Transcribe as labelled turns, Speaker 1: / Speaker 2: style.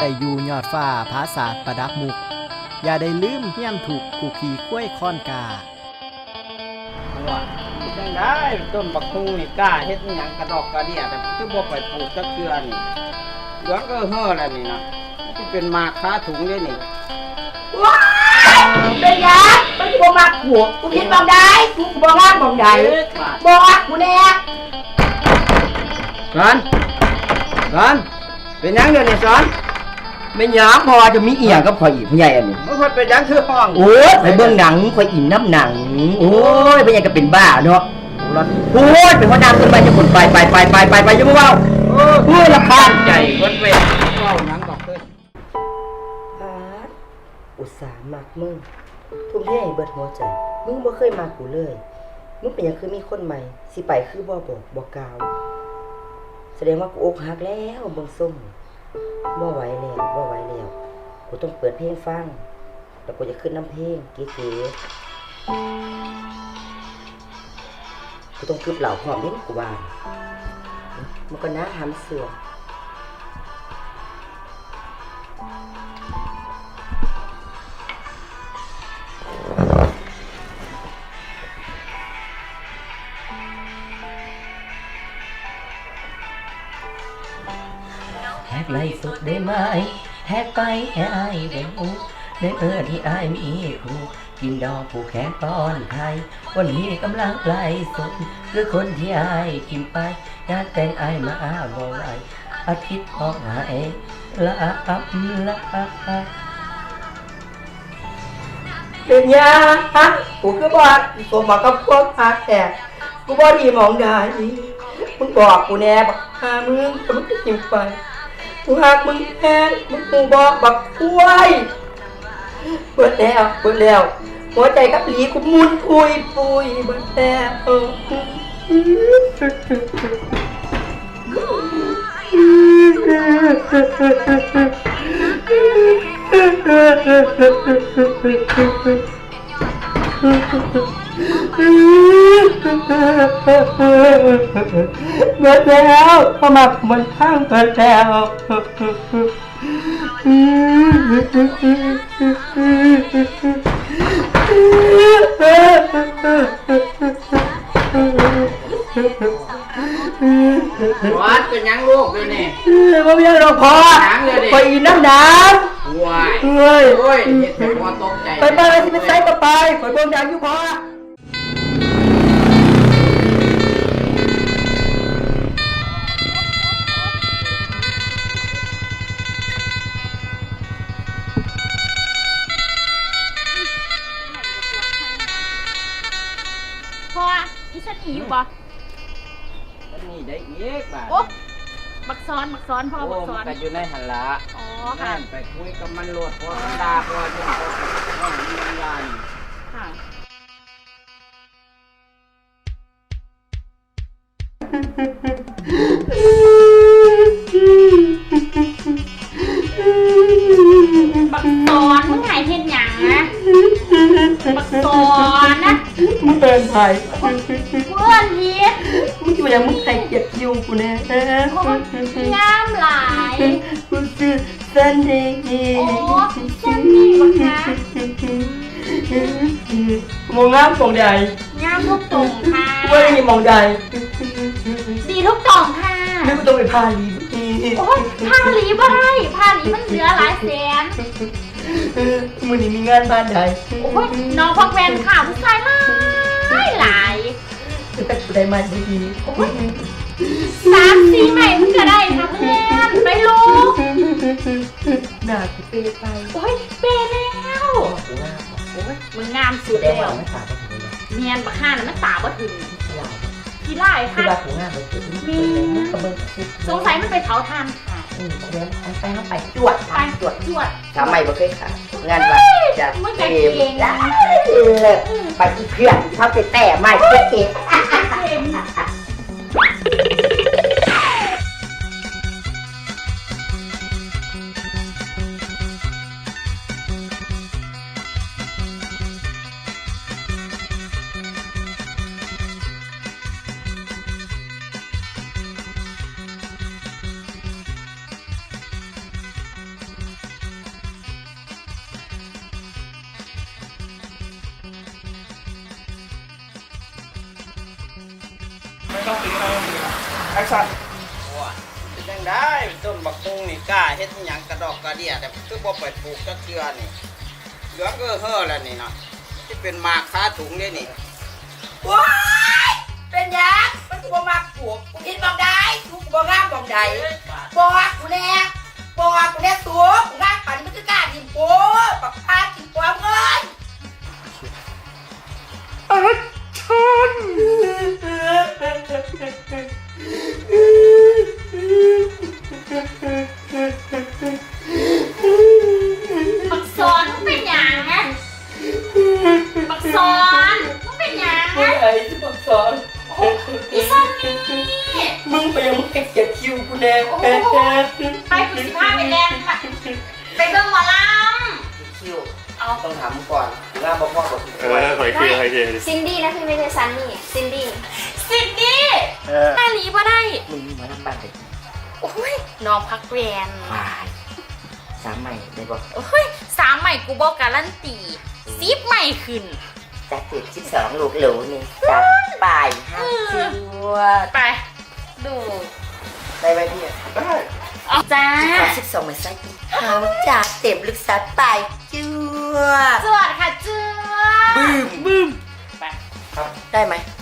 Speaker 1: ได้อยู่ยอดฟ้าผาศาสตร์ประดับมุกอย่าได้ลืมเฮี้ยนถูกผู้ขี่ข้วยค้อนกา
Speaker 2: จังได้ต้นบักฮูนี่กล้าเฮ็ดหยังกระดอกกระเดี่ยแต่คือบ่ไปปลูกจักเทื่อนี่เดี๋ยวก็เฮ้อแล้วนี่นะที่เป็นมาค้าถุงนี่นี่
Speaker 3: ว้ายเป็นยักษ์มันบ่มักหัวกูคิดมองได้กูบ่มักมองได้บ่มักกูแน่
Speaker 2: สอนเป็นหยังเดี๋ยวนี้สอน
Speaker 4: ไม่หยังพอจะมีอีหยังกับข่อยอีกผู้ใหญ่อันนี้
Speaker 2: มันเป็นหยังคือห้อง
Speaker 4: โอ้ยไปเบิ่งหนังข่อยอินน้ำหนังโอ้ยผู้ใหญ่ก็เป็นบ้าเนาะโอ้ยเป็นหัวหน้าต้นไม้จะคนไปยังบ่เว้าโอ้ยรำคาญ
Speaker 2: ใจเว้นเว้าหยังบอกเด้อ
Speaker 4: อุตส่าห์มักมึงทุ่มเทให้เบิดหัวใจมึงบ่เคยมากูเลยมึงเป็นหยังคือมีคนใหม่สิไปคือบ่บอกบ่กล่าวแสดงว่ากูอกหักแล้วเบิ่งส่งบ่ไหวแล้วกูต้องเปิดเพลงฟังแล้วกูจะขึ้นน้ำเพลงเก๋ๆกูต้องคืบเหล่าพร้อมเด้กูว่ามันก็น่าหำเสือแฮกไล่สุดได้ไหมแฮกไปให้อายได้หูได้ที่อายมีครูกินดอกผูกแขนป้อนไข่วันนี้กำลังไล่สุดคือคนที่อายกินไปงานแต่งอายมาบ่ไหวอาทิตย์ออกหายละเป็นยากูคือบอกกูบอกกับพวกพักแต่กูบอกดีมองได้มึงบอกกูแน่บักหามึงจะกินไปกูหักมึงแท้มึงกูบอกบักคุ้ยเปิดแล้วหัวใจกับหลีกูมุนปุยเปิดแล้วพอมาบนข้างเปิดแล้ว
Speaker 2: วัดเป็นหยังลูกด้วยนี่
Speaker 4: บ่มีหยังดอกพอไปอินน้ำ
Speaker 2: ว้าย
Speaker 4: เฮ้ย
Speaker 2: เฮ็ดให้พ่อตกใจ
Speaker 4: ไปสิไปใส่ก็ไปข่อยเบิ่งหนังอยู่พอ
Speaker 3: อีฉันหนีอยู่บ่
Speaker 2: ฉันหนีได้อีกบ่
Speaker 3: โอ้บักซ้อนพ่อบักซ้อน
Speaker 2: ก็อยู่ในหันละ
Speaker 3: อ๋อค่ะ
Speaker 2: ไปคุยกับมันโลดเพราะมันด่าเพราะว่ามันมันยาน
Speaker 3: ค่ะบักซ้อนมึงหายเห็นหยังนะบักซ้อนนะ
Speaker 4: มึงเป็นไผ
Speaker 3: เพื่อนพี
Speaker 4: มึงอยู่อย่างมึงใครเก็บคิวกูแน่
Speaker 3: งามหลาย
Speaker 4: กูชื่อซันดี้
Speaker 3: โอ้ซันดี้บักนะ
Speaker 4: มองงามมองใด
Speaker 3: งามทุกตรงค่ะ
Speaker 4: ว่าอย่างนี้มองใด
Speaker 3: ดีทุกตรงค่ะ
Speaker 4: ไม่ต้องไปพาลี
Speaker 3: โอ้ยพาลีบ่ได้พาลีมันเหลือหลายแสน
Speaker 4: มื้อนี้มีงานบ้านใด
Speaker 3: โอ้ยน้องพักแวนค่ะผู้ชายหลาย
Speaker 4: แต่กูได้มาดี
Speaker 3: โอ้ย3-4ใหม่มึงก็ได้ค่ะเพื่อนไปลูก
Speaker 4: หน้ากูเปไป
Speaker 3: โอ้ยเปแล้วโอ้ยมึงงามสุดแล้วเนียนบักห่านะมันตาบ่ถึงขี้ไล่ค่ะ
Speaker 4: คือว่ากูงามเลย
Speaker 3: มีสงสัยมันไปเผาทานค่ะ
Speaker 4: เดี๋ยวไปจวดทำไมบ่เคยค่ะงานว่าจะ
Speaker 3: เกม
Speaker 4: ไปอีเพื่อนชอบไปแต่ไม่เกม
Speaker 5: ต้องตีอะไรแอคชั่น
Speaker 2: ว่าเป็นจังได้ต้นบักฮุงนี่กล้าเฮ็ดอิหยังกระดอกกระเดี่ยแต่คือบ่ไปปลูกจักเทื่อนี่เหลืองก็เฮ้อแล้วนี่นะที่เป็นหมากคาถุงเด้นี่
Speaker 4: ว้ายเป็นหยังมันกูบ่มักปลูกกูคิดมองได้กูบ่งามมองใดบอกกูแน่ตัวกูงามปานนี้มันคือกล้ากินปูปักพากินปูเงิน
Speaker 3: บักซอนมึงเป็นหยังนะบักซอนมึงเป็นหยัง
Speaker 4: มึง
Speaker 3: นะ
Speaker 4: ไอ้ที่บักสอน
Speaker 3: อีซอนนี่
Speaker 4: มึงไปยังมึงเก็บคิวกูแน่
Speaker 3: ไปกูสิพาไปแลนด์ค่ะไปเบิ่งหมอล
Speaker 2: คิว
Speaker 3: ำเอา
Speaker 2: ต้องถามก่อนงามบ่พอบ่
Speaker 5: หอยเคีย
Speaker 6: ซินดี้นะพี่ไม่ใช่ซันนี่ซินดี้
Speaker 3: สินดี้หน้าหลีบ่ได้
Speaker 7: มึงมาทำบ้านเด็ก
Speaker 3: โอ้ยน้องพักเรียน
Speaker 7: วายสามใหม่ได้บอก
Speaker 3: โอ้ย3ใหม่กูบอกการันตี10ใหม่ขึ้น
Speaker 7: จากเด็ก12ลูกหลูนี่จากป่ายห้ามชื่อ
Speaker 3: ไปดู
Speaker 7: ได้ไหมพี่
Speaker 5: ได้
Speaker 3: เอาจ้า
Speaker 7: ขอ12มาใส่อีกเขาจากเต็มลูกสาวป่ายจั่ว
Speaker 3: สวัสดีค่ะเจ้าบึ้มไป
Speaker 7: ได้ไหม